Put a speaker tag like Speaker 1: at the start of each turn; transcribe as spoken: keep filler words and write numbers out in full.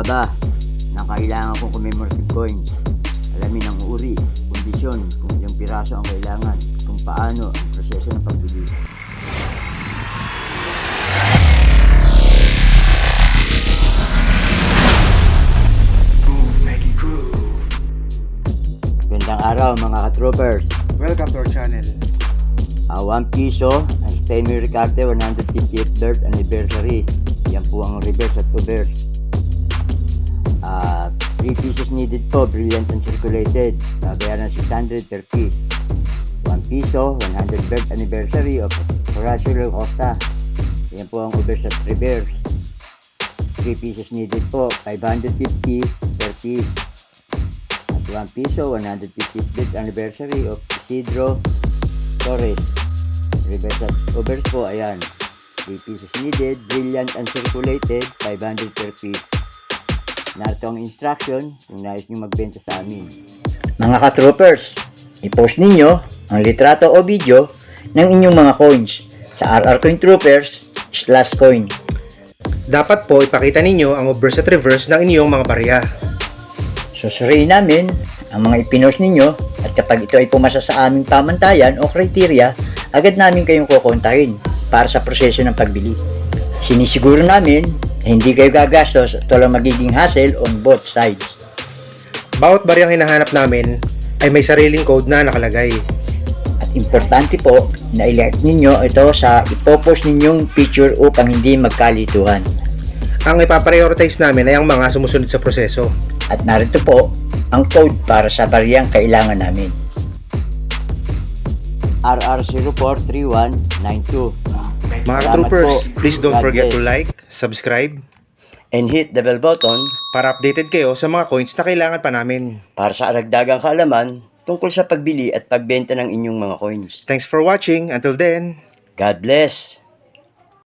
Speaker 1: ka ba na kailangan kong commemorative coins? Alamin ang uri, kondisyon, kung ilang piraso ang kailangan, kung paano ang proseso ng pagbili. Gandang araw mga ka-troopers.
Speaker 2: Welcome to our channel.
Speaker 1: Uh, one piso ang Steinway Ricarte one hundred fiftieth birth anniversary. Yan po ang reverse at reverse. Uh, three pieces needed po, brilliant and circulated. Babayaran six hundred per piece. one piso, one hundred birth anniversary of Horacio Costa. Yan po ang reverse at reverse. three pieces needed po, five hundred fifty per piece. At one piso, one hundred fiftieth birth anniversary of Isidro Torres. Reverse at reverse po, ayan. three pieces needed, brilliant and circulated, five hundred per piece. Narito ang instruction kung nais nyo magbenta sa amin. Mga ka-troopers, i-post ninyo ang litrato o video ng inyong mga coins sa R R Coin Troopers slash coin.
Speaker 2: Dapat po ipakita ninyo ang reverse at reverse ng inyong mga barya.
Speaker 1: Susuriin namin ang mga ipinost ninyo at kapag ito ay pumasa sa aming pamantayan o kriteria, agad namin kayong kukontahin para sa proseso ng pagbili. Sinisiguro namin na hindi kayo gagastos at walang magiging hassle on both sides.
Speaker 2: Bawat baryang hinahanap namin ay may sariling code na nakalagay.
Speaker 1: At importante po na i-like ninyo ito sa ipopost ninyong picture upang hindi magkalituhan.
Speaker 2: Ang ipaprioritize namin ay ang mga sumusunod sa proseso.
Speaker 1: At narito po ang code para sa baryang kailangan namin. R R zero four three one nine two.
Speaker 2: Mga troopers, please don't forget to like, subscribe,
Speaker 1: and hit the bell button
Speaker 2: para updated kayo sa mga coins na kailangan pa namin.
Speaker 1: para sa aragdagang kaalaman tungkol sa pagbili at pagbenta ng inyong mga coins.
Speaker 2: Thanks for watching. Until then,
Speaker 1: God bless!